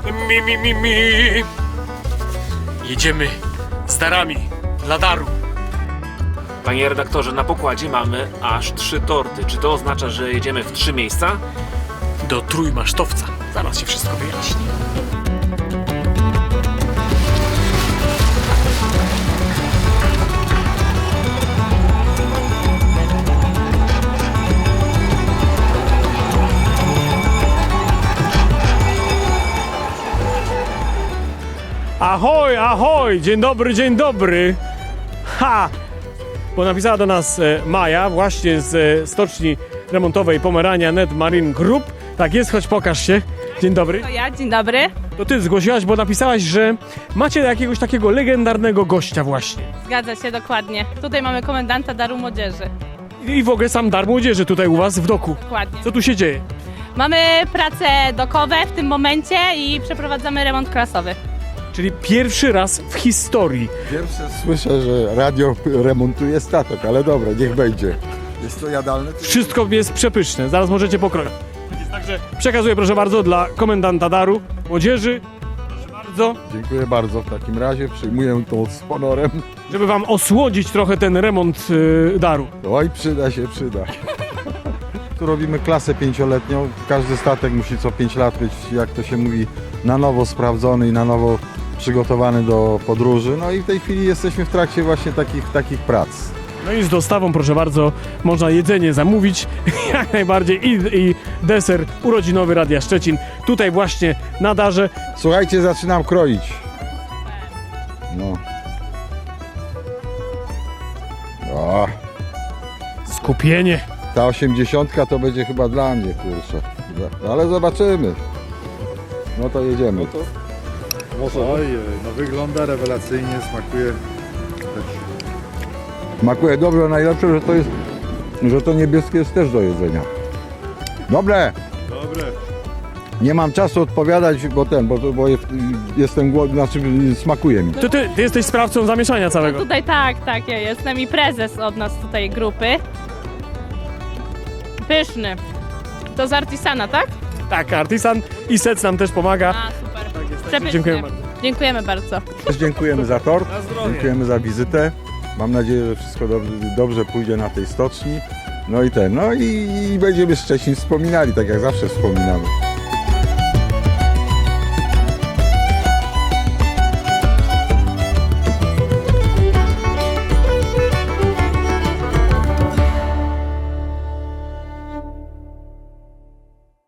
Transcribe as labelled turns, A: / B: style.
A: Mi. Jedziemy z darami dla daru.
B: Panie redaktorze, na pokładzie mamy aż 3 torty. Czy to oznacza, że jedziemy w 3 miejsca?
A: Do Trójmasztowca. Zaraz się wszystko wyjaśni. Ahoj, ahoj! Dzień dobry! Ha! Bo napisała do nas Maja właśnie z stoczni remontowej Pomerania Net Marine Group. Tak jest, chodź pokaż się. Dzień dobry.
C: To ja, dzień dobry.
A: To ty zgłosiłaś, bo napisałaś, że macie jakiegoś takiego legendarnego gościa właśnie.
C: Zgadza się, dokładnie. Tutaj mamy komendanta Daru Młodzieży.
A: I w ogóle sam dar młodzieży tutaj u was w doku.
C: Dokładnie.
A: Co tu się dzieje?
C: Mamy prace dokowe w tym momencie i przeprowadzamy remont klasowy.
A: Czyli pierwszy raz w historii.
D: Pierwsze słyszę, że radio remontuje statek, ale dobra, niech będzie. Jest to jadalne?
A: Wszystko jest przepyszne, zaraz możecie pokroić. Także przekazuję proszę bardzo dla komendanta daru młodzieży. Proszę bardzo.
D: Dziękuję bardzo w takim razie, przyjmuję to z honorem.
A: Żeby wam osłodzić trochę ten remont daru.
D: Oj, przyda. Tu robimy klasę 5-letnią. Każdy statek musi co 5 lat być, jak to się mówi, na nowo sprawdzony i na nowo przygotowany do podróży. No i w tej chwili jesteśmy w trakcie właśnie takich prac.
A: No i z dostawą, proszę bardzo, można jedzenie zamówić, jak najbardziej i deser urodzinowy Radia Szczecin. Tutaj właśnie na darze.
D: Słuchajcie, zaczynam kroić. No. O,
A: Skupienie.
D: ta 80 to będzie chyba dla mnie, kurczę. Ale zobaczymy. No to jedziemy.
E: Oj, no wygląda rewelacyjnie, smakuje.
D: Smakuje dobrze, najlepsze, że to niebieskie jest też do jedzenia. Dobre!
E: Dobre.
D: Nie mam czasu odpowiadać, bo jestem głodny, znaczy smakuje mi.
A: Ty jesteś sprawcą zamieszania całego.
C: Tutaj tak, ja jestem i prezes od nas tutaj grupy. Pyszny. To z Artisana, tak?
A: Tak, Artisan i Sec nam też pomaga.
C: A, super. Przepyszny.
A: Dziękujemy bardzo.
C: Dziękujemy bardzo.
D: Też dziękujemy za tort, dziękujemy za wizytę. Mam nadzieję, że wszystko dobrze pójdzie na tej stoczni. No i będziemy Szczecin wspominali, tak jak zawsze wspominamy.